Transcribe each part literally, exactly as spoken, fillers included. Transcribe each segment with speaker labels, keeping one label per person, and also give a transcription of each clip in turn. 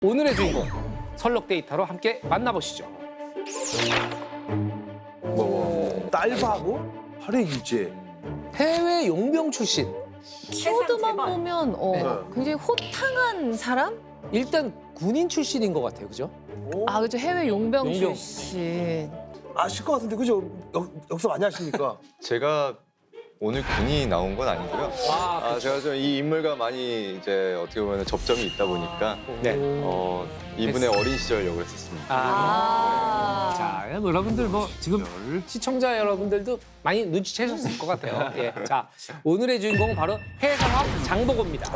Speaker 1: 오늘의 주인공 설렁 데이터로 함께 만나보시죠.
Speaker 2: 딸바고 활의 유죄.
Speaker 1: 해외 용병 출신.
Speaker 3: 키워드만
Speaker 4: 대박.
Speaker 3: 보면 어,
Speaker 2: 네.
Speaker 3: 굉장히 호탕한 사람?
Speaker 1: 일단 군인 출신인 것 같아요, 그죠?
Speaker 3: 아, 그죠. 해외 용병,
Speaker 1: 용병.
Speaker 3: 출신.
Speaker 2: 아실 것 같은데 그죠? 역, 역사 많이 아십니까?
Speaker 5: 제가 오늘 군이 나온 건 아니고요.
Speaker 1: 아,
Speaker 5: 아, 제가 좀 이 인물과 많이 이제 어떻게 보면 접점이 있다 보니까
Speaker 1: 네.
Speaker 5: 어, 이분의 어린 시절 역을 했었습니다.
Speaker 1: 아.
Speaker 3: 아.
Speaker 1: 자, 뭐 여러분들 뭐 지금 시청자 여러분들도 많이 눈치채셨을 것 같아요. 예. 자, 오늘의 주인공은 바로 해상학 장보고입니다.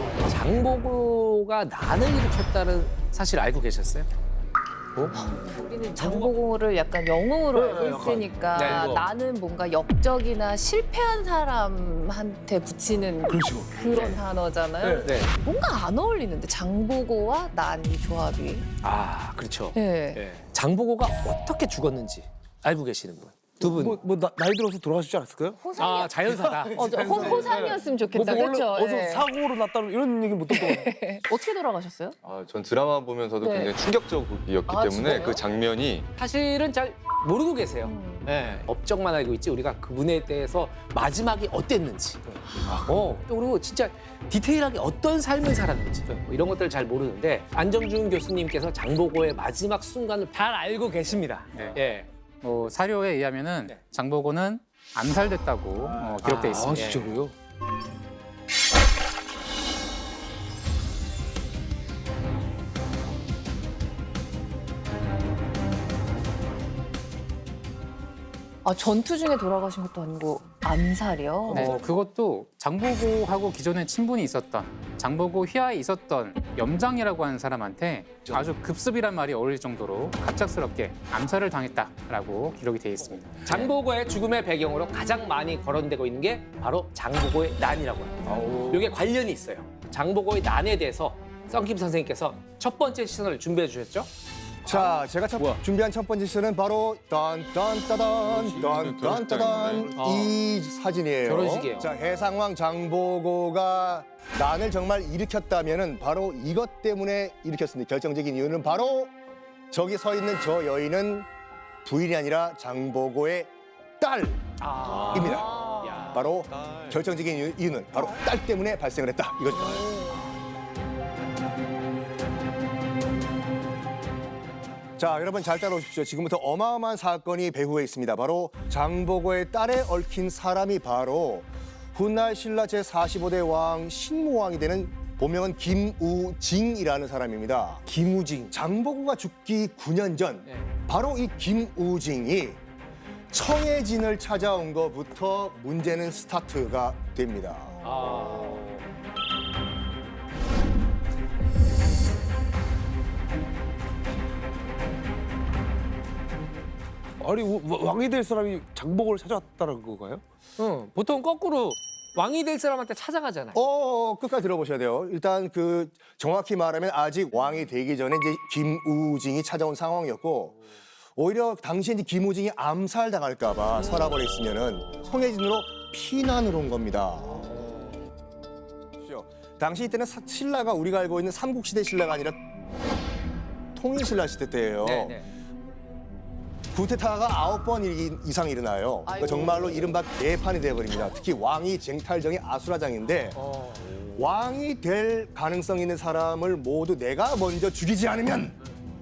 Speaker 1: 장보고가 난을 일으켰다는 사실 알고 계셨어요?
Speaker 3: 우리는 장보고를 약간 영웅으로
Speaker 2: 네,
Speaker 3: 알고
Speaker 2: 약간.
Speaker 3: 있으니까
Speaker 1: 네, 이거.
Speaker 3: 나는 뭔가 역적이나 실패한 사람한테 붙이는
Speaker 2: 그렇죠.
Speaker 3: 그런 단어잖아요.
Speaker 1: 네.
Speaker 3: 뭔가 안 어울리는데 장보고와 난 이 조합이.
Speaker 1: 아, 그렇죠.
Speaker 3: 네.
Speaker 1: 예. 장보고가 어떻게 죽었는지 알고 계시는 분? 두 분.
Speaker 2: 뭐, 뭐 나, 나이 들어서 돌아가시지 않았을까요?
Speaker 1: 아, 자연사다.
Speaker 3: 어, 저 호, 호상이었으면 좋겠다.
Speaker 2: 뭐, 뭐
Speaker 3: 그렇죠?
Speaker 2: 원래 어서
Speaker 3: 예.
Speaker 2: 사고로 났다는 이런 얘기 못 듣고.
Speaker 3: 어떻게 돌아가셨어요?
Speaker 5: 아, 전 드라마 보면서도
Speaker 3: 네.
Speaker 5: 굉장히 충격적이었기
Speaker 3: 아,
Speaker 5: 때문에
Speaker 3: 진짜요?
Speaker 5: 그 장면이
Speaker 1: 사실은 잘 모르고 계세요.
Speaker 3: 음.
Speaker 1: 네. 업적만 알고 있지 우리가 그분에 대해서 마지막이 어땠는지, 어, 또 그리고 진짜 디테일하게 어떤 삶을 살았는지 뭐 이런 것들을 잘 모르는데 안정준 교수님께서 장보고의 마지막 순간을 잘 알고 계십니다.
Speaker 6: 네.
Speaker 1: 예.
Speaker 6: 뭐 사료에 의하면은
Speaker 1: 네.
Speaker 6: 장보고는 암살됐다고 어, 기록돼
Speaker 1: 아,
Speaker 6: 있습니다.
Speaker 1: 진짜로요?
Speaker 3: 아, 전투 중에 돌아가신 것도 아니고 암살이요?
Speaker 6: 네, 그것도 장보고하고 기존에 친분이 있었던 장보고 휘하에 있었던 염장이라고 하는 사람한테 아주 급습이란 말이 어울릴 정도로 갑작스럽게 암살을 당했다라고 기록이 되어 있습니다.
Speaker 1: 장보고의 죽음의 배경으로 가장 많이 거론되고 있는 게 바로 장보고의 난이라고 합니다. 이게 관련이 있어요. 장보고의 난에 대해서 썬킴 선생님께서 첫 번째 시선을 준비해 주셨죠?
Speaker 7: 자, 제가 첫, 준비한 첫 번째 시는 바로 딴딴따단 딴딴따단
Speaker 1: 어.
Speaker 7: 이 사진이에요.
Speaker 1: 결혼식이에요.
Speaker 7: 자, 해상왕 장보고가 난을 정말 일으켰다면은 바로 이것 때문에 일으켰습니다. 결정적인 이유는 바로 저기 서 있는 저 여인은 부인이 아니라 장보고의 딸입니다.
Speaker 1: 아. 야.
Speaker 7: 바로 결정적인 이유- 이유는 바로 딸 때문에 발생을 했다. 이거죠. 자, 여러분 잘 따라오십시오. 지금부터 어마어마한 사건이 배후에 있습니다. 바로 장보고의 딸에 얽힌 사람이 바로 훗날 신라 제사십오 대 왕 신무왕이 되는 본명은 김우징이라는 사람입니다.
Speaker 1: 김우징.
Speaker 7: 장보고가 죽기 구 년 전
Speaker 1: 네.
Speaker 7: 바로 이 김우징이 청해진을 찾아온 것부터 문제는 스타트가 됩니다.
Speaker 1: 아.
Speaker 2: 아니 와- 왕이 될 사람이 장복을 찾아왔다는 건가요?
Speaker 1: 응, 보통 거꾸로 왕이 될 사람한테 찾아가잖아요.
Speaker 7: 어, 끝까지 들어보셔야 돼요. 일단 그 정확히 말하면 아직 왕이 되기 전에 이제 김우징이 찾아온 상황이었고 오히려 당시에 이제 김우징이 암살당할까봐 서랍을 했으면은 청해진으로 피난을 온 겁니다. 당시 이때는 사- 신라가 우리가 알고 있는 삼국시대 신라가 아니라 통일신라 시대 때예요.
Speaker 1: 네, 네.
Speaker 7: 쿠데타가 아홉 번 이- 이상 일어나요. 그러니까
Speaker 3: 아이고.
Speaker 7: 정말로 이른바 개판이 돼버립니다. 특히 왕위 쟁탈정이 아수라장인데
Speaker 1: 어.
Speaker 7: 왕이 될 가능성 있는 사람을 모두 내가 먼저 죽이지 않으면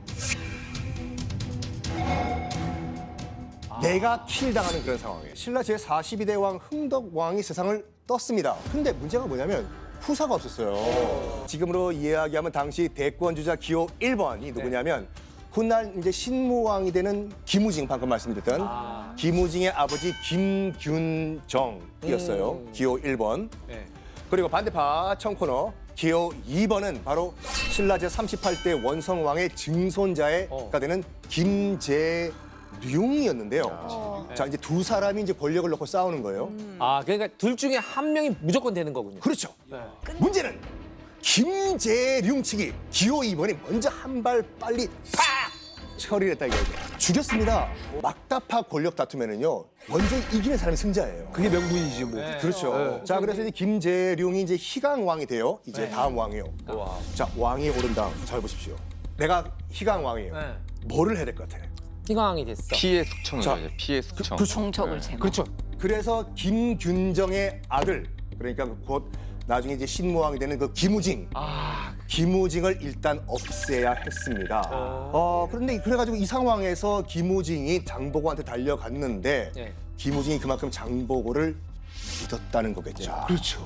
Speaker 7: 내가 킬당하는 그런 상황이에요. 신라 제사십이 대 왕 흥덕 왕이 세상을 떴습니다. 근데 문제가 뭐냐면 후사가 없었어요. 지금으로 이야기하면 당시 대권주자 기호 일 번이 누구냐면 훗날 이제 신무왕이 되는 김우징 방금 말씀드렸던
Speaker 1: 아.
Speaker 7: 김우징의 아버지 김균정이었어요.
Speaker 1: 음.
Speaker 7: 기호 일 번.
Speaker 1: 네.
Speaker 7: 그리고 반대파 청코너 기호 이 번은 바로 신라 제삼십팔 대 원성왕의 증손자가
Speaker 1: 어.
Speaker 7: 되는 김재룡이었는데요.
Speaker 3: 어.
Speaker 7: 자, 이제 두 사람이 이제 권력을 놓고 싸우는 거예요.
Speaker 1: 아, 그러니까 둘 중에 한 명이 무조건 되는 거군요.
Speaker 7: 그렇죠.
Speaker 1: 네.
Speaker 7: 문제는 김재룡 측이 기호 이 번이 먼저 한 발 빨리 팍 처리를 했다 이거죠. 죽였습니다. 막다파 권력 다투면은요 먼저 이기는 사람이 승자예요.
Speaker 2: 그게 명분이지 뭐.
Speaker 7: 그렇죠. 자, 그래서 이제 김재룡이 이제 희강 왕이 돼요. 이제 다음 왕이요. 자, 왕이 오른 다음 잘 보십시오. 내가 희강 왕이에요.
Speaker 1: 네.
Speaker 7: 뭐를 해야 될 것 같아?
Speaker 1: 희강이 됐어.
Speaker 5: 피해 숙청이죠.
Speaker 7: 자,
Speaker 5: 이제 피해 숙청.
Speaker 3: 정적을 제거.
Speaker 1: 그렇죠.
Speaker 7: 그래서 김균정의 아들, 그러니까 곧 나중에 이제 신무왕이 되는 그 김우징.
Speaker 1: 아,
Speaker 7: 김우징을 일단 없애야 했습니다. 어, 그런데 그래가지고 이 상황에서 김우징이 장보고한테 달려갔는데
Speaker 1: 네.
Speaker 7: 김우징이 그만큼 장보고를 믿었다는 거겠죠.
Speaker 2: 그렇죠.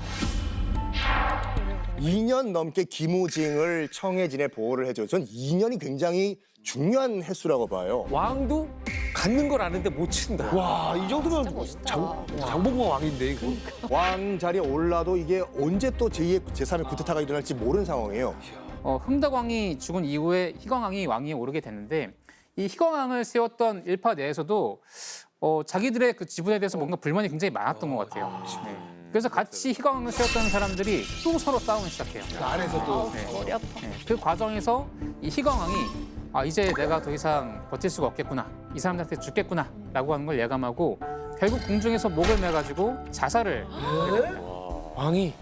Speaker 7: 이 년 넘게 김우징을 청해진에 보호를 해줘. 전 이 년이 굉장히 중요한 횟수라고 봐요.
Speaker 1: 왕도 갖는 걸 아는데 못 친다.
Speaker 2: 와, 이 정도면
Speaker 3: 진짜 멋있다.
Speaker 2: 장, 장보고가 왕인데 이거.
Speaker 7: 왕 자리에 올라도 이게 언제 또 제이의 제삼의 쿠데타가 일어날지 모르는 상황이에요.
Speaker 6: 어, 흥덕왕이 죽은 이후에 희광왕이 왕위에 오르게 됐는데 이 희광왕을 세웠던 일파 내에서도 어, 자기들의 그 지분에 대해서 뭔가 불만이 굉장히 많았던 것 같아요. 네. 그래서 같이 희광왕을 세웠던 사람들이 또 서로 싸움을 시작해요.
Speaker 2: 안에서도.
Speaker 6: 네.
Speaker 3: 머리 아파.
Speaker 6: 네. 그 과정에서 이 희광왕이 아 이제 내가 더 이상 버틸 수가 없겠구나, 이 사람들한테 죽겠구나라고 하는 걸 예감하고 결국 궁중에서 목을 매가지고 자살을 하게 됩니다.
Speaker 1: 왕이.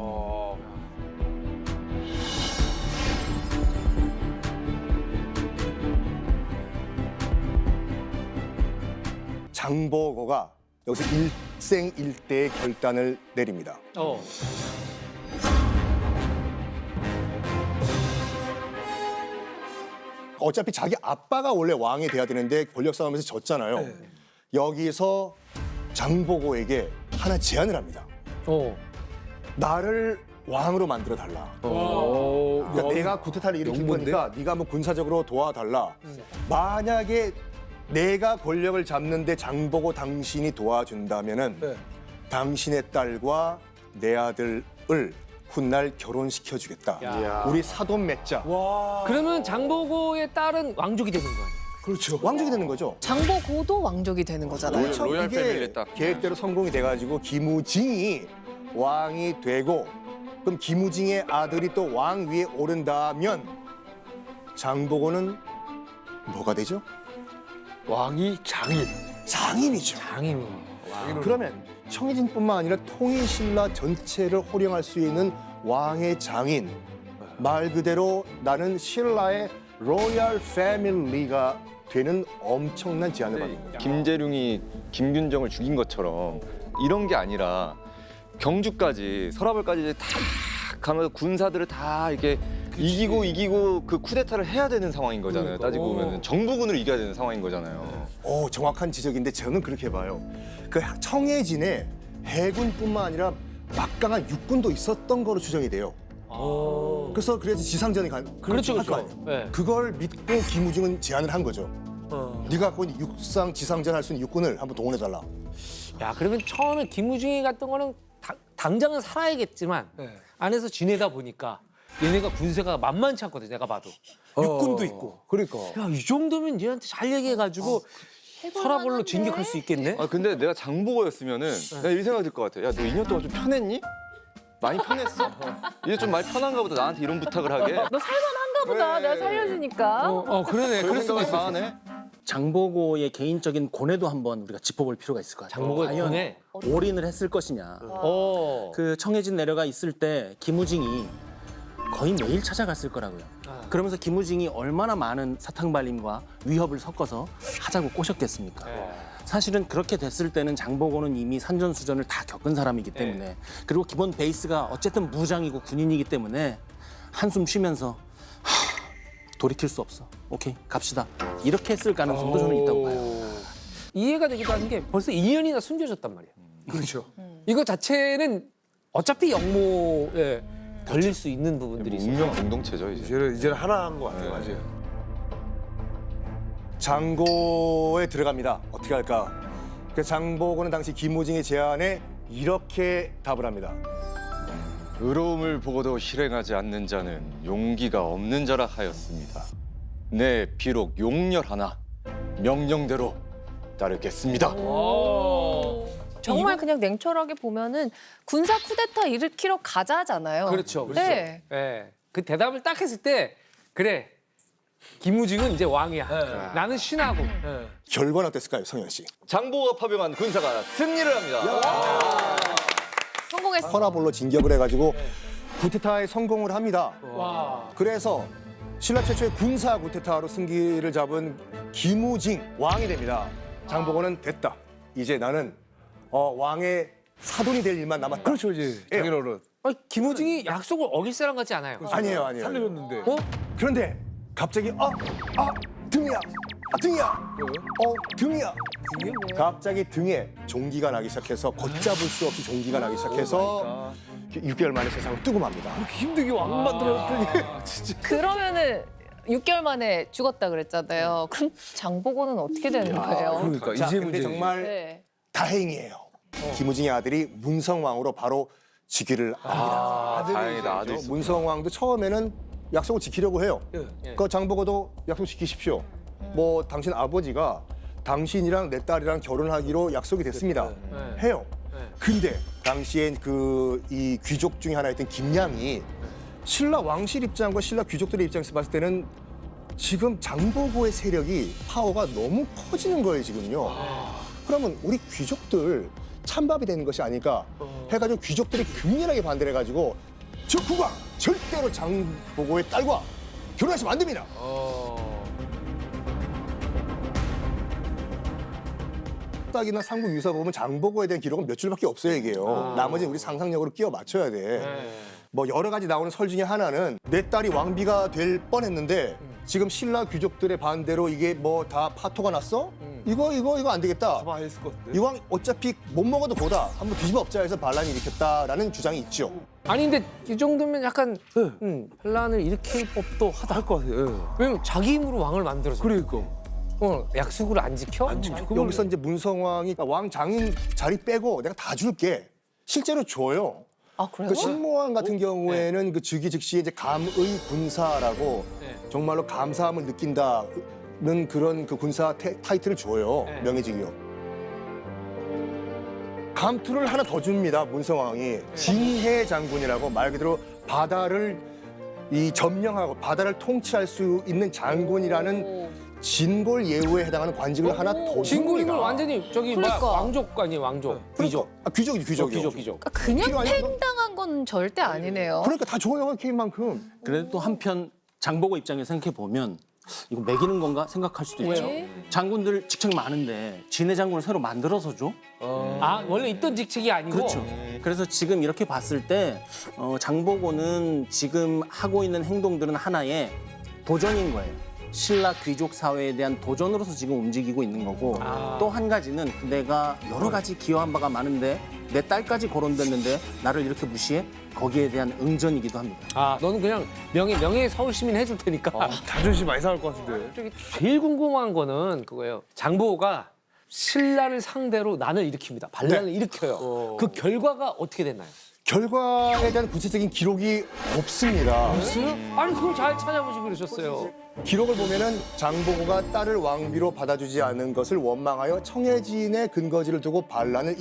Speaker 7: 장보고가 여기서 일생일대의 결단을 내립니다.
Speaker 1: 어.
Speaker 7: 어차피 자기 아빠가 원래 왕이 돼야 되는데 권력 싸움에서 졌잖아요. 여기서 장보고에게 하나 제안을 합니다.
Speaker 1: 어.
Speaker 7: 나를 왕으로 만들어 달라.
Speaker 2: 어.
Speaker 7: 그러니까 내가 쿠데타를 일으킨
Speaker 2: 영문데?
Speaker 7: 거니까 네가 한번 군사적으로 도와달라. 만약에 내가 권력을 잡는데 장보고 당신이 도와준다면은
Speaker 2: 네.
Speaker 7: 당신의 딸과 내 아들을 훗날 결혼시켜 주겠다.
Speaker 1: 야.
Speaker 7: 우리 사돈 맺자.
Speaker 2: 와.
Speaker 1: 그러면 장보고의 딸은 왕족이 되는 거 아니에요?
Speaker 2: 그렇죠.
Speaker 7: 왕족이 되는 거죠.
Speaker 3: 장보고도 왕족이 되는 거잖아요.
Speaker 5: 로얄- 로얄
Speaker 7: 이게
Speaker 5: 패밀리 딱.
Speaker 7: 계획대로 성공이 돼가지고 김우징이 왕이 되고 그럼 김우징의 아들이 또 왕 위에 오른다면 장보고는 뭐가 되죠?
Speaker 2: 왕이 장인.
Speaker 7: 장인이죠.
Speaker 1: 장인이.
Speaker 7: 그러면 청해진뿐만 아니라 통일신라 전체를 호령할 수 있는 왕의 장인. 말 그대로 나는 신라의 로얄 패밀리가 되는 엄청난 제안을 받는 거예요.
Speaker 5: 김재룡이 김균정을 죽인 것처럼 이런 게 아니라 경주까지 서라벌까지 이제 다 가면서 군사들을 다 이렇게 이기고 이기고 그 쿠데타를 해야 되는 상황인 거잖아요. 따지고 보면 정부군을 이겨야 되는 상황인 거잖아요.
Speaker 7: 오, 정확한 지적인데 저는 그렇게 봐요. 그 청해진에 해군뿐만 아니라 막강한 육군도 있었던 거로 추정이 돼요. 그래서 그래서 지상전이 간
Speaker 1: 그렇죠,
Speaker 7: 할거
Speaker 1: 그렇죠.
Speaker 7: 아니에요.
Speaker 1: 네.
Speaker 7: 그걸 믿고 김우중은 제안을 한 거죠.
Speaker 1: 어.
Speaker 7: 네가 갖고 있는 육상 지상전 할 수 있는 육군을 한번 동원해 달라.
Speaker 1: 야, 그러면 처음에 김우중이 같은 거는 당, 당장은 살아야겠지만
Speaker 2: 네.
Speaker 1: 안에서 지내다 보니까 얘네가 군세가 만만치 않거든, 내가 봐도.
Speaker 2: 어.
Speaker 1: 육군도 있고.
Speaker 2: 그러니까.
Speaker 1: 야, 이 정도면 얘한테 잘 얘기해가지고 서라벌로 진격할 수 있겠네?
Speaker 5: 아 근데 내가 장보고였으면은 내가 이 생각이 들 것 같아. 야 너 이 년 동안 좀 편했니? 많이 편했어? 이제 좀 많이 편한가 보다. 나한테 이런 부탁을 하게.
Speaker 3: 너 살만한가 보다.
Speaker 5: 그래.
Speaker 3: 내가 살려주니까.
Speaker 1: 어, 어 그러네. 그럴 수도 있어.
Speaker 5: 하네.
Speaker 4: 장보고의 개인적인 고뇌도 한번 우리가 짚어볼 필요가 있을 것 같아요.
Speaker 1: 장보고의
Speaker 4: 과연
Speaker 1: 고뇌?
Speaker 4: 올인을 했을 것이냐.
Speaker 1: 어.
Speaker 4: 그 청해진 내려가 있을 때 김우징이 거의 매일 찾아갔을 거라고요.
Speaker 1: 아.
Speaker 4: 그러면서 김우징이 얼마나 많은 사탕발림과 위협을 섞어서 하자고 꼬셨겠습니까?
Speaker 1: 네.
Speaker 4: 사실은 그렇게 됐을 때는 장보고는 이미 산전수전을 다 겪은 사람이기 때문에 그리고 기본 베이스가 어쨌든 무장이고 군인이기 때문에 한숨 쉬면서 하, 돌이킬 수 없어. 오케이 갑시다. 이렇게 했을 가능성도 저는 있다고 봐요.
Speaker 1: 이해가 되기도 하는 게 벌써 이 년이나 숨겨졌단 말이야.
Speaker 2: 그렇죠.
Speaker 1: 이거 자체는 어차피 영모에 걸릴 수 있는 부분들이
Speaker 5: 뭐
Speaker 1: 있어요.
Speaker 5: 운명 공동체죠 이제.
Speaker 2: 이제는 이제는 하나 한 것 같아요.
Speaker 5: 네.
Speaker 2: 맞아요.
Speaker 7: 장고에 들어갑니다. 어떻게 할까? 그 장보고는 당시 김우징의 제안에 이렇게 답을 합니다.
Speaker 5: 의로움을 보고도 실행하지 않는 자는 용기가 없는 자라 하였습니다. 네, 비록 용렬하나 명령대로 따르겠습니다.
Speaker 3: 정말 그냥 냉철하게 보면은 군사 쿠데타 일으키러 가자잖아요.
Speaker 1: 그렇죠. 그렇죠.
Speaker 3: 네.
Speaker 1: 예. 그 대답을 딱 했을 때 그래 김우징은 이제 왕이야. 나는 신하고.
Speaker 7: 결과는 어땠을까요, 성현 씨?
Speaker 5: 장보고가 파병한 군사가 승리를 합니다.
Speaker 3: 성공했어.
Speaker 7: 허나볼로 진격을 해가지고 구테타에 성공을 합니다.
Speaker 1: 와.
Speaker 7: 그래서 신라 최초의 군사 구테타로 승기를 잡은 김우징 왕이 됩니다. 장보고는 됐다. 이제 나는 어, 왕의 사돈이 될 일만 남았다.
Speaker 2: 그렇죠 이제 자기는 어른.
Speaker 1: 아니, 김우징이 약속을 어길 사람 같지 않아요.
Speaker 7: 아니에요, 아니에요.
Speaker 2: 살려줬는데.
Speaker 1: 어?
Speaker 7: 그런데 갑자기 아, 아 등이야, 아 등이야, 어 등이야. 갑자기 등에 종기가 나기 시작해서 걷잡을 수 없이 종기가 나기 시작해서 육 개월 만에 세상을 뜨고 맙니다.
Speaker 2: 힘들게 왕 만들었더니 진짜.
Speaker 3: 그러면은 육 개월 만에 죽었다 그랬잖아요. 그럼 장보고는 어떻게 되는 거예요?
Speaker 2: 그러니까
Speaker 7: 자,
Speaker 2: 이제
Speaker 7: 근데
Speaker 2: 문제.
Speaker 7: 정말
Speaker 3: 네.
Speaker 7: 다행이에요. 김우징의 아들이 문성왕으로 바로 즉위를 합니다.
Speaker 5: 다행이다. 아들
Speaker 7: 어, 문성왕도 처음에는 약속을 지키려고 해요.
Speaker 1: 예.
Speaker 7: 그 장보고도 약속 지키십시오. 뭐 당신 아버지가 당신이랑 내 딸이랑 결혼하기로 약속이 됐습니다.
Speaker 1: 네.
Speaker 7: 해요.
Speaker 1: 네.
Speaker 7: 근데 당시엔 그 이 귀족 중에 하나였던 김양이 신라 왕실 입장과 신라 귀족들의 입장에서 봤을 때는 지금 장보고의 세력이 파워가 너무 커지는 거예요 지금요. 그러면 우리 귀족들 찬밥이 되는 것이 아닐까 해가지고 귀족들이 격렬하게 반대를 해가지고 저 국왕 절대로 장보고의 딸과 결혼하시면 안 됩니다.
Speaker 1: 어.
Speaker 7: 딱이나 삼국 유사 보면 장보고에 대한 기록은 몇 줄밖에 없어요 이게요. 나머지는 우리 상상력으로 끼워 맞춰야 돼.
Speaker 1: 네.
Speaker 7: 뭐 여러 가지 나오는 설 중에 하나는 내 딸이 왕비가 될 뻔했는데 지금 신라 귀족들의 반대로 이게 뭐 다 파토가 났어? 이거 이거 이거 안 되겠다.
Speaker 2: 다 했을 것 같은데.
Speaker 7: 이왕 어차피 못 먹어도 보다 한번 뒤집어 엎자 해서 반란이 일으켰다라는 주장이 있죠.
Speaker 1: 아니 근데 이 정도면 약간 음, 반란을 일으킬 법도 하다.
Speaker 2: 할 것 같아요. 예.
Speaker 1: 왜냐면 자기 힘으로 왕을 만들어서.
Speaker 2: 그러니까.
Speaker 1: 어, 약속을 안 지켜?
Speaker 2: 안 지켜. 그걸-
Speaker 7: 여기서 이제 문성왕이 왕 장인 자리 빼고 내가 다 줄게. 실제로 줘요.
Speaker 3: 아 그래요?
Speaker 7: 그 신모왕 같은 경우에는 그 즉위 즉시에 이제 감의 군사라고
Speaker 1: 네.
Speaker 7: 정말로 감사함을 느낀다는 그런 그 군사 태- 타이틀을 줘요.
Speaker 1: 네.
Speaker 7: 명예직이요. 감투를 하나 더 줍니다. 문성왕이 진해 장군이라고 말 그대로 바다를 이 점령하고 바다를 통치할 수 있는 장군이라는
Speaker 3: 오.
Speaker 7: 진골 예우에 해당하는 관직을 하나 더
Speaker 1: 진골이면
Speaker 7: 줍니다.
Speaker 1: 완전히 저기
Speaker 3: 그러니까.
Speaker 1: 뭐야 왕족 아니에요 왕족 귀족.
Speaker 7: 아, 귀족이 귀족이요.
Speaker 1: 귀족 귀족.
Speaker 3: 그러니까 그냥
Speaker 7: 필요하냐, 그럼?
Speaker 3: 팽당한 건 절대 아니네요.
Speaker 7: 그러니까 다 줘요 케이만큼.
Speaker 4: 그래도 또 한편 장보고 입장에 생각해 보면 이거 매기는 건가 생각할 수도 있죠.
Speaker 3: 왜?
Speaker 4: 장군들 직책이 많은데 진해 장군을 새로 만들어서 줘?
Speaker 1: 아 원래 있던 직책이 아니고.
Speaker 4: 그렇죠. 그래서 지금 이렇게 봤을 때 어, 장보고는 지금 하고 있는 행동들은 하나의 도전인 거예요. 신라 귀족 사회에 대한 도전으로서 지금 움직이고 있는 거고
Speaker 1: 아.
Speaker 4: 또 한 가지는 내가 여러 가지 기여한 바가 많은데 내 딸까지 거론됐는데 나를 이렇게 무시해? 거기에 대한 응전이기도 합니다.
Speaker 1: 아 너는 그냥 명예 명예 서울 시민 해줄 테니까.
Speaker 2: 자존심 많이 상할 것 같은데.
Speaker 1: 저기 제일 궁금한 거는 그거예요. 장보고가 신라를 상대로 난을 일으킵니다. 반란을 일으켜요. 그 결과가 어떻게 됐나요?
Speaker 7: 결과에 대한 구체적인 기록이 없습니다.
Speaker 1: 없어요? 아니 그걸 잘 찾아보시고 그러셨어요.
Speaker 7: 기록을 보면은 장보고가 딸을 왕비로 받아주지 않은 것을 원망하여 청해진의 근거지를 두고 반란을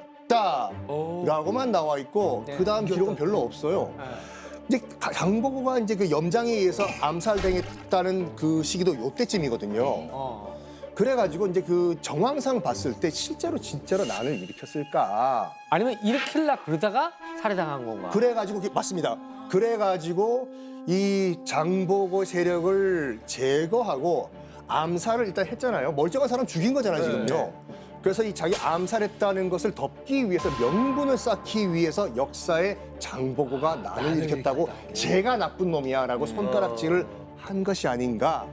Speaker 7: 일으켰다라고만 나와 있고
Speaker 1: 네.
Speaker 7: 그 다음 기록은 별로 없어요. 이제 가- 장보고가 이제 그 염장에 의해서 암살당했다는 그 시기도 요때쯤이거든요.
Speaker 1: 어.
Speaker 7: 그래가지고 이제 그 정황상 봤을 때 실제로 진짜로 난을 일으켰을까?
Speaker 1: 아니면 일으킬라 그러다가 살해당한 건가?
Speaker 7: 그래가지고 그- 맞습니다. 그래가지고 이 장보고 세력을 제거하고 암살을 일단 했잖아요. 멀쩡한 사람 죽인 거잖아요, 지금요. 그래서 이 자기 암살했다는 것을 덮기 위해서 명분을 쌓기 위해서 역사에 장보고가 난을 일으켰다고 제가 나쁜 놈이야라고 손가락질을 한 것이 아닌가.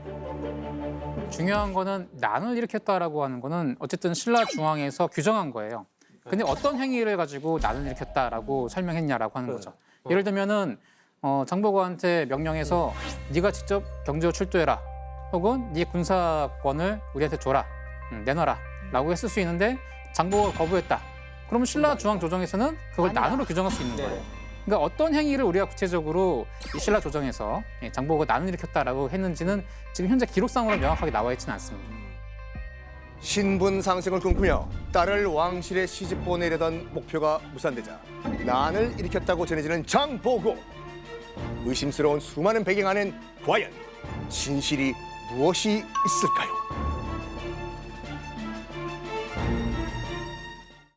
Speaker 6: 중요한 거는 난을 일으켰다라고 하는 거는 어쨌든 신라 중앙에서 규정한 거예요. 근데 어떤 행위를 가지고 난을 일으켰다라고 설명했냐라고 하는 거죠. 예를 들면은 어, 장보고한테 명령해서 네가 직접 경주로 출두해라. 혹은 네 군사권을 우리한테 줘라. 음, 내놔라라고 했을 수 있는데 장보고가 거부했다. 그러면 신라 중앙 조정에서는 그걸 난으로 규정할 수 있는 거예요. 그러니까 어떤 행위를 우리가 구체적으로 이 신라 조정에서 예, 장보고가 난을 일으켰다라고 했는지는 지금 현재 기록상으로 명확하게 나와 있지는 않습니다.
Speaker 7: 신분 상승을 꿈꾸며 딸을 왕실에 시집 보내려던 목표가 무산되자 난을 일으켰다고 전해지는 장보고. 의심스러운 수많은 배경 안엔 과연 진실이 무엇이 있을까요?